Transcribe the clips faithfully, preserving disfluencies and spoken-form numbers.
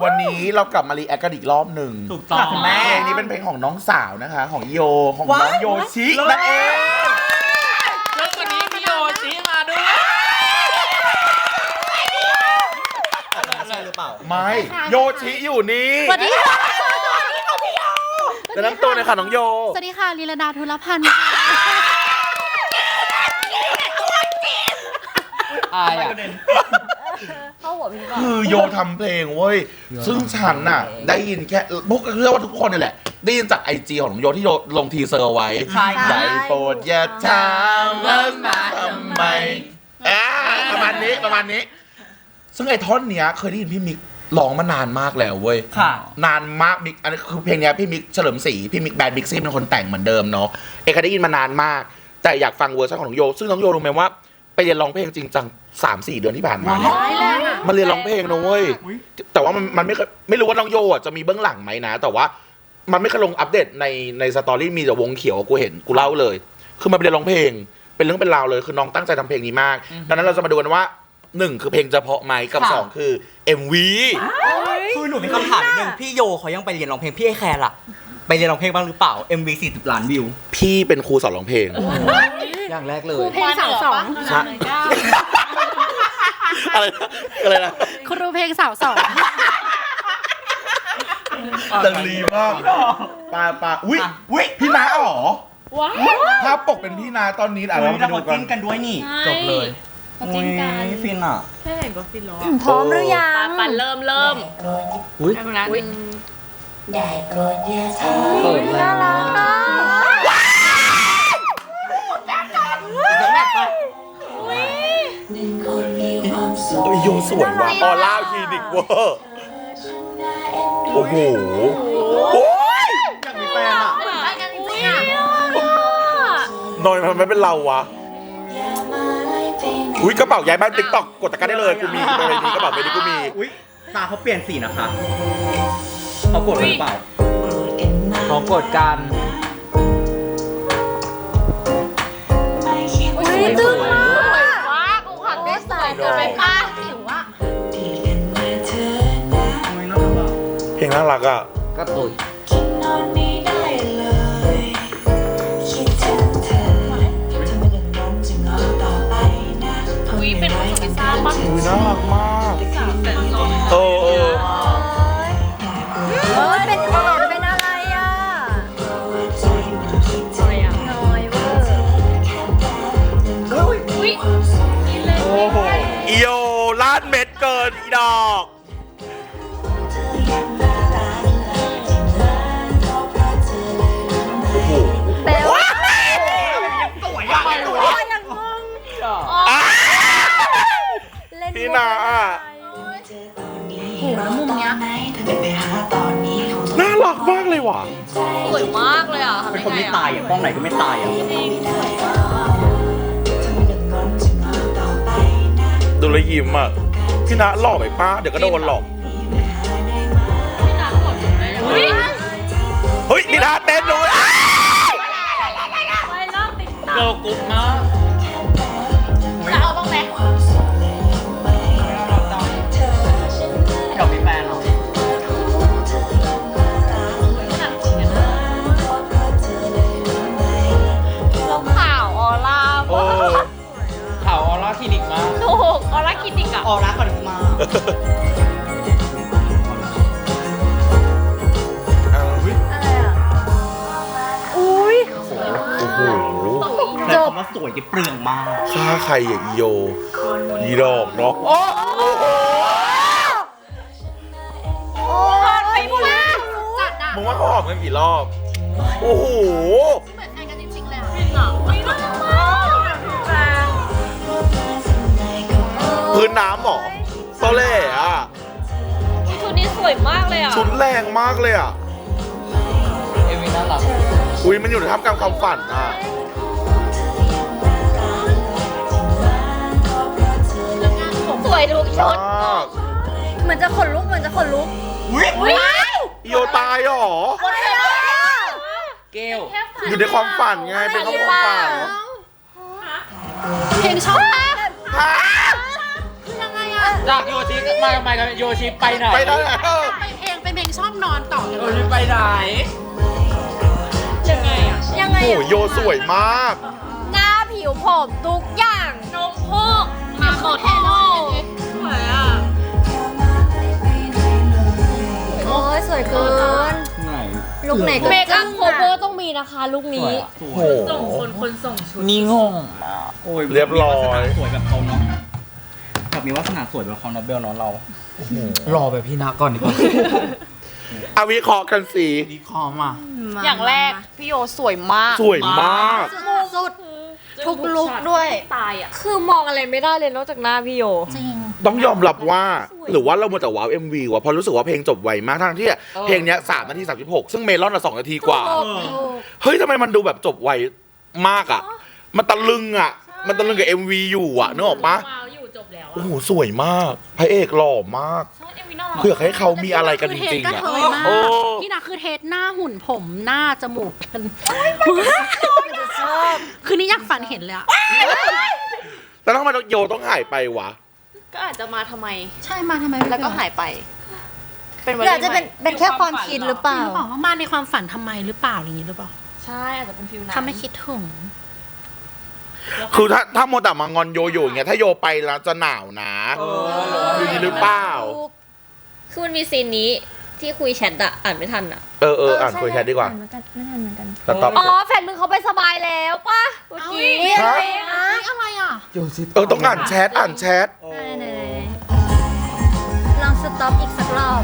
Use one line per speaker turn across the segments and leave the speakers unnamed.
วันนี้เรากลับมารีแอคกันอีกรอบหนึ่ง
ถูกต้องคุณแม่
เพลงนี้เป็นเพลงของน้องสาวนะคะ ของโยของน้องโยชินั่นเอง
แล้ววันนี้พี่โยชิมาด้วยใช่หรือเปล่า
ไม่โยชิอยู่นี่
สวัสดีค่ะ
จะน้ำตัวเลยค่ะน้องโย
สวัสดีค่ะลีลาดาธุลพันธ์
อายอ่ะ
เข้าหัวพี่ก่อน
คือโยทำเพลงเว้ยซึ่งฉันน่ะได้ยินแค่พวกเชื่อว่าทุกคนนี่แหละได้ยินจากไอจีของน้องโยที่โยลงทีเซอร์ไว้ใจโปรดอย่าถามว่ามาทำไมอ่าประมาณนี้ประมาณนี้ซึ่งไอ้ท่อนเนี้ยเคยได้ยินพี่มิกร้องมานานมากแล้วเว้ย
ค่ะ
นานมากมิกอันนี้คือเพลงเนี้ยพี่มิกเฉลิมศรีพี่มิกแบดบิ๊กซี่เป็นคนแต่งเหมือนเดิมเนาะเอกเคยได้ยินมานานมากแต่อยากฟังเวอร์ชันของน้องโยซึ่งน้องโยรู้ไหมว่าไปเรียนร้องเพลงจริงจังสามสี่เดือนที่ผ่านมาเนี่ยมันเรียนร้องเพลงนะเว้ยแต่ว่ามันมันไม่ไม่รู้ว่าน้องโยอ่ะจะมีเบื้องหลังไหมนะแต่ว่ามันไม่เคยลงอัปเดตในในสตอรี่มีแต่วงเขียวกูเห็นกูเล่าเลยคือมันไปเรียนร้องเพลงเป็นเรื่องเป็นราวเลยคือน้องตั้งใจทำเพลงนี้มากดังนั้นเราจะมาดูกันว่าหนึ่งคือเพลงจะเพาะไหมกับสองคือ เอ็ม วี
คือหนูมีคำถามนิดนึงพี่โยเขายังไปเรียนร้องเพลงพี่ไอแคร์ล่ะไปเรียนร้องเพลงบ้างหรือเปล่า เอ็ม วี สี่สิบล้านวิว
พี่เป็นครูสอนร้องเพลง
อย่างแรกเลย
เพลงสาวสอง
ใช่ อะไรนะอะไรนะ
ครูเพลงสาวสอง
ดังลีมากปาปาอุ้ยอุ้ยพี่นาอ๋อภาพปกเป็นพี่นาตอนนี้อ่ะ
เรา
เราไปดู
มา
กั
จิ้
น
นกันด้วยนี่
จบเลย
เขาจิ้นกัน
โอ้ยฟินอ่ะ
แค่เห็นก็ฟินแล้ว
พร้อมหรือยัง
ปันเริ่มเริ่ม
อุ้ย
แป๊บนึงนะหนึ่ง
เปิดเลย
น่ารักอ่ะ
โอ้ยโยสวยว่ะออร่าคลินิกเวอร์โอ้โหโอ้ย
อยากมีแฟนอ่ะ
เหมือนกันจริงๆอ่ะ
นอยมันไม่เป็นเราวะอุ้ยกระเป๋าย้ายบ้านติ๊กต็อกกดตะกร้าได้เลยกูมีไปเลยนี้กระเป๋าไปนี้กูมี
อุ้ยตาเขาเปลี่ยนสีนะคะเขาโกรธหรือเปล่าเขาโกรธกัน
อุ้ยตึ้งมาก
สวยมากกูขับได้สวยเกินไปป้าจิ๋วอ่ะ
เพลงน่ารักอ่ะ
ก็ตุย
อุ้ยเป็นคนพิซซ่าป่ะ
อุ้ยน่ารักมาก
สาวแสนสอง
เออเออ
เออเป็นแอนเป็นอะไรอ่ะ
อะไรอ่ะ
น้อยเวอร์
อุ้ยกินเลย
โอ้โหอีโยลาดเม็ดเกินอีดอก โอ้โห
เป๊ะ
สวยอ่ะ
ยังงง
อ่ะ
เล่น
พี่นาอ่ะ
โหแล้วมุมเนี้ย
น่ารักมากเลยว่ะ
สวยมากเลยอ่ะทำ
เป็น
ยัง
คน
ไง
ไม่
อ่ะ
ตายอ่ะกล้องไหนก็ไม่ตายอ่ะ
ดูแลวยิ้มอ่ะ พี่นาหลอกไปป้าเดี๋ยวก็โดนหลอก
พี่น้ำกดเลยอุ้ย
เฮ้ยพี่นาเต้นด้วย
ไม่รอบติ๊กต็
เกิ
อ
ร์ล
ก
กรุ๊ปมาก
จะเอาบ้างไหม
อยากมีแฟนเหรอ
เราข่าวออร่า
โอ้
ข่าวออร่าคลินิกมาก
ถูกออร่าคลินิกอ่ะ
ออร่าคาริสมา
อะไรอ่ะ อุ้ย
โอ้โห
แต่คำว่าสวยจะเปลืองมาก
ฆ่าใครอ่ะอีโยอีดอกเนาะ
โอ้ยพูดแล้ว
จัดอ่ะ
มึงว่าเขาหอมกันกี่รอบ โอ้โห
เหมือนกันจริงๆเลยอ่ะจริงเหรอไม่น่ารักมากแฟน
พื้นน้ำเหรอตอแหล่อ่ะ
ชุดนี้สวยมากเลยอ่ะ
ชุดแรงมากเลยอ่ะ
เอ็มวีน่ารัก
อุ้ยมันอยู่ในท่ามกลางความฝันอ่ะ
สวยทุกชุด
มาก
เหมือนจะขนลุกเหมือนจะขนลุก
อุ้ย
อุ้ย
อีโยตายเหรอ
หมดเลย
เกล
อยู่ในความฝันไง เป็นความฝัน
เพลงชอบ
ฮะ
คือยังไงอ่ะ
จากโยชิมาทำไมกันโยชิไปไหน
ไปได้เออ
ไปเพลงเป็นเพลงชอบนอนต่อ
โยชิไปไหน
ยังไงอ่ะ ยังไง
โอ้โห
อ่ะ
โยสวยมาก
หน้าผิวผมทุกอย่างนมพกมาโคเทโลสวยอ่ะ โอ้ยสวยเกิน
ไหน
ลุกไหนก็เมคอัพโคเวอร์ต้องมีนะคะลุกนี้
โอ้โห
ส่งคนคนส่งชุดนี่งง
โอ้ย
เรียบร้อย
มีวาสนาสวยแบบเขาเนาะแบบมีวาสนาสวยแบบเขานะเบลเนาะเรา
รอแบบพี่นาก่อนดีกว่า
อาวิเคราะห์กันสิ
ดีคอมอ่ะ
อย่างแรกพี่โยสวยมาก
สวยมาก
สุดทุกลุกด้วยตายอ่ะคือมองอะไรไม่ได้เลยนอกจากหน้าพี่โย
จริง
ต้องยอมรับว่า หรือว่าเรามัวแต่ว้าว เอ็ม วี ว่ะเพราะรู้สึกว่าเพลงจบไวมากทั้งที่เพลงเนี้ยสามนาทีสามสิบหกซึ่งเมลอนอ่ะสองนาทีกว่า เฮ้ยทำไมมันดูแบบจบไวมากอ่ะ มันตะลึงอ่ะ มันตะลึงกับ เอ็ม วี อยู่อ่ะนึกออกปะ
ว้าวอยู่จบแล้ว
โอ้โหสวยมากพระเอกหล่อมากเพื่อให้เขามีอะไรกันจริงๆ
ก็
อ่ะ
เทยมาก
โอ้
พี่นาคือเทสหน้าหุ่นผมหน้าจมูกกันคือนี่อยากฝันเห็นเลยอะ
แล้วทำไมโยต้องหายไปวะ
ก็อาจจะมาทำไม
ใช่มาทำไม
แล้วก็หายไป เป็นวัน
หรืออาจจะเป็นเป็นแค่ความคิดหรือเป
จริ
ล่า
งหรือเปล่าว่ามาในความฝันทำไมหรือเปล่าอย่างนี้หรือเปล่า
ใช่อาจจะเป็นฟิลนั้น
ทำให้คิดถึง
คือถ้าถ้าโมวแต่มางอนโยอยู่อย่างเงี้ยถ้าโยไปแล้วจะหนาวนะคือนี้หรือเปล่า
คือมันมีซีนนี้ที่คุยแชทอะอ่านไม่ทันอะ
เออเอออ่านคุยแชทดีกว่า
อ่นเหมือนกันไม่ทันเหมือนกัน
แต่ตอบ
อ๋อแฟนมึงเขาไปสบายแล้วป่ะเมื่อกี้
ฮะ
อะไรอ่ะ
เออต้องอ่านแชทอ่านแชท
ไหนๆลองสต็อปอีกสักรอบ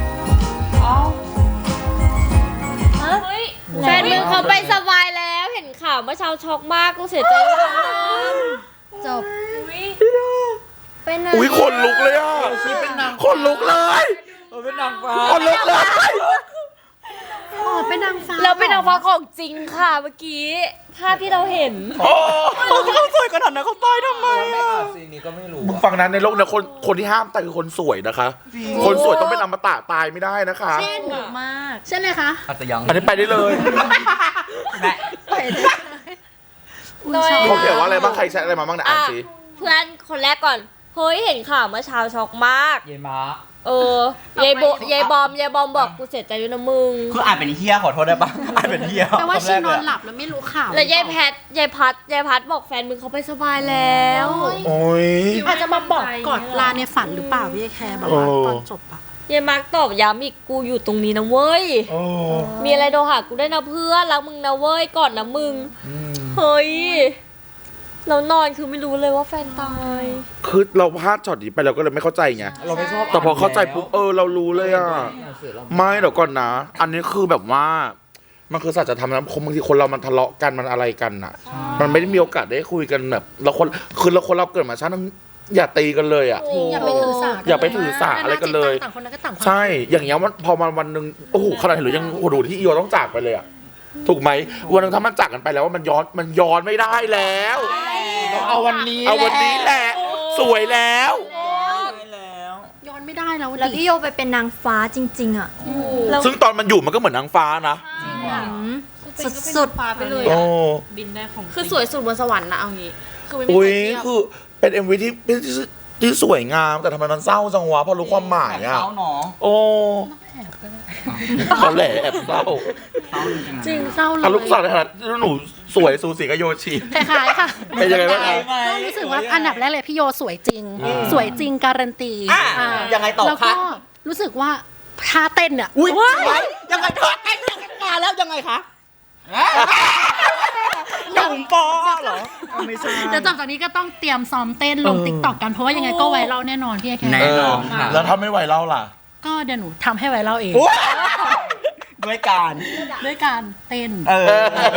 แฟนมึงเขาไปสบายแล้วเห็นข่าวเมื่อเช้าช็อกมากกูเสียใจมาก
จบไปไหน
อุ้ยคนลุกเลยอ่ะคนลุกเลย
เออเป็นนางฟ้า
คนลุกเลย
อ๋อเป็นนางฟ้า
แล้วเป็นนางฟ้าของจริงค่ะเมื่อกี้ภาพที่เราเห็น
โอ้
เขาสวยขนาดนั้นเขาตายทำไมอ่ะ
ซีนนี้ก็ไม่รู้
มึงฟังนั้นในโลกเนี่ยคนคนที่ห้ามตายคือคนสวยนะคะ คนสวยต้องเป็นอมตะตายไม่ได้นะคะ
เช่น
มาก
เช่นเลยคะ
อาจจะยัง
อันนี้ไปได้เลย
แม่
โดย
เขาเขียนว่าอะไรบ้างใครแชทอะไรมาบ้างเนี่ยอ่านสิ
เพื่อนคนแรกก่อน เฮ้ยเห็นข่าวเมื่อเช้าช็อกมาก
เยม้า
เออยายโบยายบอมยายบอมบอกกูเสียใจด้วยนะมึง
คืออ่านเป็นเฮียขอโทษได้ปะอ่านเป็นเฮีย
แปลว่า
คำ
ชี
แรก
น
เล
อน
ย
หลับแล้วไม่รู้ข่าว
แล้วยายแพทยายพัดยายพัดบอกแฟนมึงเขาไปสบายแล้ว
โอ้ย
อาจจะมาบอกกอดลาในฝันหรือเปล่าพี่แคร์แบบว่า
โอ้
ตอนจบอะ
ยายมาร์กตอบย้ำอีกกูอยู่ตรงนี้นะเว้ย
โอ้
มีอะไรโทรหากูได้นะเพื่อนรักมึงนะเว้ยก่อนนะมึง เฮ้ยเรานอนคือไม่รู้เลยว่าแฟนตาย
คือเราพลาดช็อตนี้ไปเราก็เลยไม่เข้าใจไง
เราไม่ชอบ
แต่พอเข้าใจปุ๊บเออเรารู้เลยอ่ะ ไม่เดี๋ยวก่อนนะ อันนี้คือแบบว่า มันคือสัจธรรมนะบางทีคนเรามันทะเลาะกันมันอะไรกันน่ะ มันไม่ได้มีโอกาสได้คุยกันแบบเราคนคือเราคนเราเกิดมาชาตินึงอย่าตีกันเลยอ่ะ
อย่าไปถือสา
อย่าไปถือสาอะไรกันเลย
ต่างคนนั้นก็ต่างความ
ใช่ อย่างเงี้ยมันพอมาวันหนึ่งโอ้โหขนาดเห็นหรือยังโอ้โหดูที่อีโอต้องจากไปเลยอ่ะ ถูกไหมวันหนึงถ้ามันจากกันไปแล้วว่ามันย้อนมันย้อนไม่ได้แล้ว
เอาวันนี้
เอาวันนี้แหละ สวยแล้ว
ย้อนไม่ได้แล้ว
แล้ว
ดิ
พี่โยไปเป็นนางฟ้าจริง ๆ อ่ะ
แล้ว
ซึ่งตอนมันอยู่มันก็เหมือนนางฟ้านะ
สุดสุด
ฟ้าไปเลย
โอ้
คือสวยสุดบนสวรรค์นะเอางี้ คือไม่มี
อุ้ย
ใครเทียบ
คือเป็นเอ็มวีที่ที่ที่สวยงามแต่ทำไมมันเศร้าจังวะพอรู้ความหมายอ่ะ
เขาเนาะ
โอ้เขาแหละแอบเศร้า
จริงเศร้าเลย
อาลูกสาวในฐานะที่หนูสวยสูสีกับโยชิ
คล้ายๆค่ะ
เป็นยังไงบ้างคะ
ก็รู้สึกว่าอันดับแรกเลยพี่โยสวยจริง สวยจริงการันตี
อ่ะ
อ่า
ยังไงต่อ
แล้ว
คะ
ก็รู้สึกว่าท่าเต้นอ่ะ
อุ้ยยังไงทอดกันมาแล้วยังไงคะหนุ่มปอเหรอไม่ใช่
เดี๋ยวจบจากนี้ก็ต้องเตรียมซ้อมเต้นลงติ๊กต็อกกันเพราะว่ายังไงก็ไวรัลแน่นอนพี่แค
แน่
เอ
ร์
อ
นอนค่ะ
แล้วถ้าไม่ไหวเล่าล่ะ
ก็เดี๋ยวหนูทำให้ไวรัลเอง
ด้วยการ
ด้วยการเต้น
เออ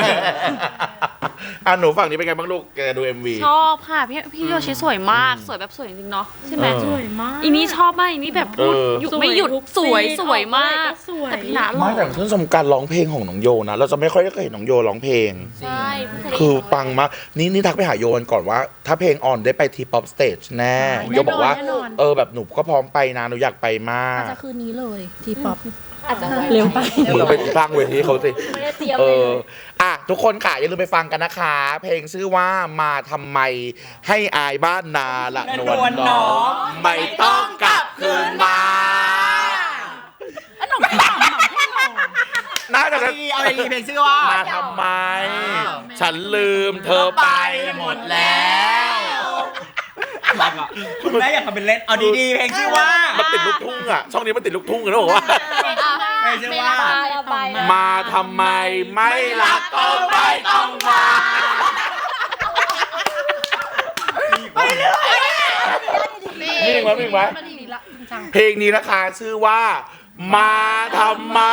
อ่ะหนูฝั่งนี้เป็นไงบ้างลูกแกดู เอ็ม วี
ชอบค่ะพี่พี่โยชิสวยมากสวยแบบสวยจริงๆเนาะใช่ไหม
เออ
สวยมากอีนี้ชอบมากอีนี้แบบพูด
เออ
หยุดไม่หยุดสวยสวยมาก
สวย
แต่พี่หนาหล่
ไม่
อ
แต่ชื่นชมการร้องเพลงของน้องโยนะ เราจะไม่ค่อยได้เคยเห็นน้องโยร้องเพลง
ใช่เพิ่งเคยได้
คือ
ยิน
ปังมากนี่นี่ทักไปหาโยนก่อนว่า ถ้าเพลงออนได้ไปทีป๊อปสเตจแน่
แน่นอน
โยบอกว่า
แน่นอน
เออแบบหนูก็พร้อมไปนะหนูอยากไปมาก
อาจจะคืนนี้เลยทีป๊อป
อาจจะ
เร็วไป
มึงเป็นสร้างเวทีให้เขาสิ
ไม่ได้เตรียม
เอ
เลย
อ อ่ะ ทุกคนค่ะ อย่าลืมไปฟังกันนะคะ เพลงชื่อว่ามาทำไมให้อายบ้านนาละนวลน้องไม่ต้องกลับคืนมาน่าจะ
เอาดีเอาดีเพลงชื่อว่า
มาทำไม ฉันลืมเธอไปหมดแล้ว
คุณแม่อยากทำเป็นเล่น เอาดีๆเพลงชื่อว่า
มันติดลูกทุ่งอ่ะ ช่องนี้มันติดลูกทุ่งกันแล้วบอกว่า
เพลงชื่อว่า
ระบาย
มาทำไมไม่รักก็ไม่ต้องมานี่มั้ยนี่มั้ยเพลงนี้นะคะชื่อว่า มาทำไม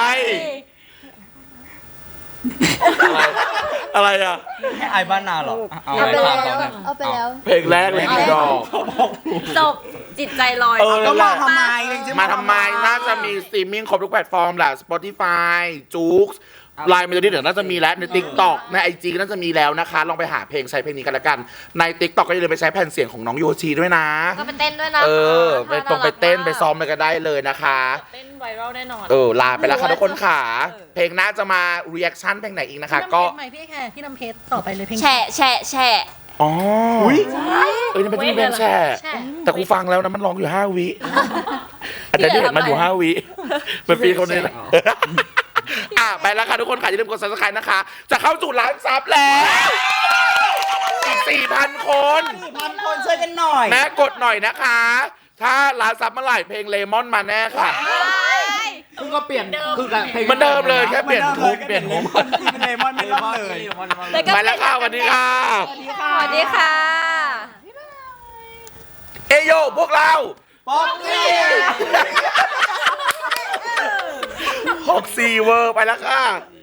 อะไรอะไรอ่ะ
ให้อายบ้านนาเหรอ เอา
เอาไป
ไป
แล้ว
ฟัง
เอาไปแล้ว
เพลงแรกเลยพี่ดอก
จบจิตใจลอย
เออ
ก็
นั่นแห
มา
ละ
ทำไมเพลงชื่อ
มาทำไมน่าจะมีสตรีมมิ่งครบทุกแพลตฟอร์มแหละ Spotify จู๊กไลน์เมโลดี้เดี๋ยวน่าจะมีแล้วใน TikTok ใน ไอ จี ก็น่าจะมีแล้วนะคะ ลองไปหาเพลงใช้เพลงนี้กันละกัน ใน TikTok ก็อย่าลืมไปใช้แผ่นเสียงของน้องโยชีด้วยนะ
ก็ไปเต้นด้วยนะ
เออ ไปตรงไปเต้นไปซ้อมอะไรก็ได้เลยนะคะ
เต้นไวรัลแน่นอน
เออ ลาไปแล้วค่ะทุกคนค่ะ เพลงหน่าจะมา reaction เพลงไหนอีกนะคะ ก็
ใหม่พี่แค่พี่น้ำเพชรต่อไปเลยเพลง
แฉะแฉะแฉะ
อ๋อเอ้ยนี่เป็นที่เพลงแช่
แช่
แต่กูฟังแล้วนะมันร้องอยู่ห้าวิอาจารย์ที่เห็นมันอยู่ห้าวิเป็นฟีเขาเนี่ยนะอ่ะไปแล้วค่ะทุกคนค่ะอย่าลืมกด subscribe นะคะ จะเข้าสู่ล้านซับแล้วอีกสี่พันคน
สี่พันคนช่วยกันหน่อย
แม่กดหน่อยนะคะ ถ้าล้านซับเมื่อไหร่เพลงเลมอนมาแน่ค่ะ
คือก็เปลี่ยนคือกับเพลง
เหมันเดิมเลยแค่เปลี่ยนทุกเปลี่ยน
เล
ทุก
มอนที่เป็นเลมอนไม่ต้องเลย
ไปแล้วค่ะสวัสดีค่ะ
สวัสดีค่ะ
เอโยพวกเรา
ป๊อกซี่
หกสี่เวอร์ไปแล้วค่ะ